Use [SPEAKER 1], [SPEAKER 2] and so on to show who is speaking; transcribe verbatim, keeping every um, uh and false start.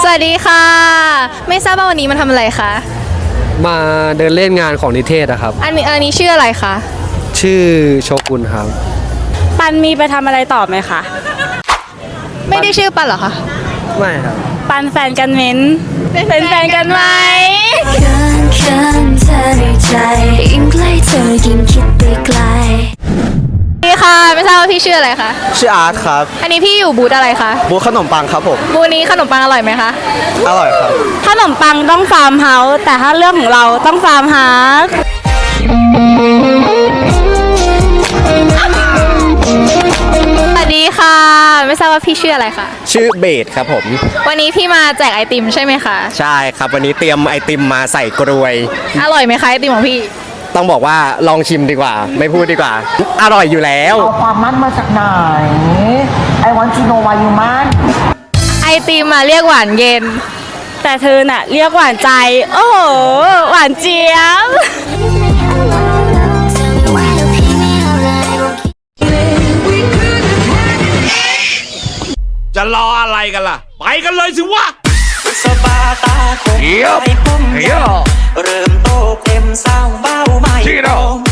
[SPEAKER 1] วัสดีค่ะไม่ทราบว่าวันนี้มาทำอะไรคะ
[SPEAKER 2] มาเดินเล่นงานของนิเทศอะครับ
[SPEAKER 1] อันนี้อันนี้ชื่ออะไรคะ
[SPEAKER 2] ชื่อโชกุนครับ
[SPEAKER 3] ปันมีไปทำอะไรต่อไหมคะ
[SPEAKER 1] ไม่ได้ชื่อปันเหรอคะ
[SPEAKER 2] ไม่ครับ
[SPEAKER 3] ปันแฟนกันเม้นเป็นแฟนกันไหม
[SPEAKER 1] นี่ค่ะไม่ทราบว่าพี่ชื่ออะไรคะ
[SPEAKER 4] ชื่ออาร์ตครับ
[SPEAKER 1] อันนี้พี่อยู่บูธอะไรคะ
[SPEAKER 4] บูธขนมปังครับผม
[SPEAKER 1] บูธนี้ขนมปังอร่อยไหมคะ
[SPEAKER 4] อร่อยครับ
[SPEAKER 3] ขนมปังต้องฟาร์มเฮาส์แต่ถ้าเรื่องของเราต้องฟาร์มฮาร์ด
[SPEAKER 1] สวัสดีค่ะไม่ทราบว่าพี่ชื่ออะไรคะ
[SPEAKER 4] ชื่อเบสครับผม
[SPEAKER 1] วันนี้พี่มาแจกไอติมใช่ไหมคะ
[SPEAKER 4] ใช่ครับวันนี้เตรียมไอติมมาใส่กรวย
[SPEAKER 1] อร่อยไหมคะไอติมของพี่
[SPEAKER 4] ต้องบอกว่าลองชิมดีกว่าไม่พูดดีกว่าอร่อยอยู่แล้ว
[SPEAKER 5] เอาความมั่นมาจากไหน I want to know why you มั่น
[SPEAKER 1] ไอติมมาเรียกหวานเย็น
[SPEAKER 3] แต่เธอน่ะเรียกหวานใจโอ้โหหวานเจี๊ยบ
[SPEAKER 6] จะรออะไรกันล่ะไปกันเลยสิวะ
[SPEAKER 7] สบาตาคงไปพุ่มเริ่มโตเต็มสาวเบ้าไม่ตรง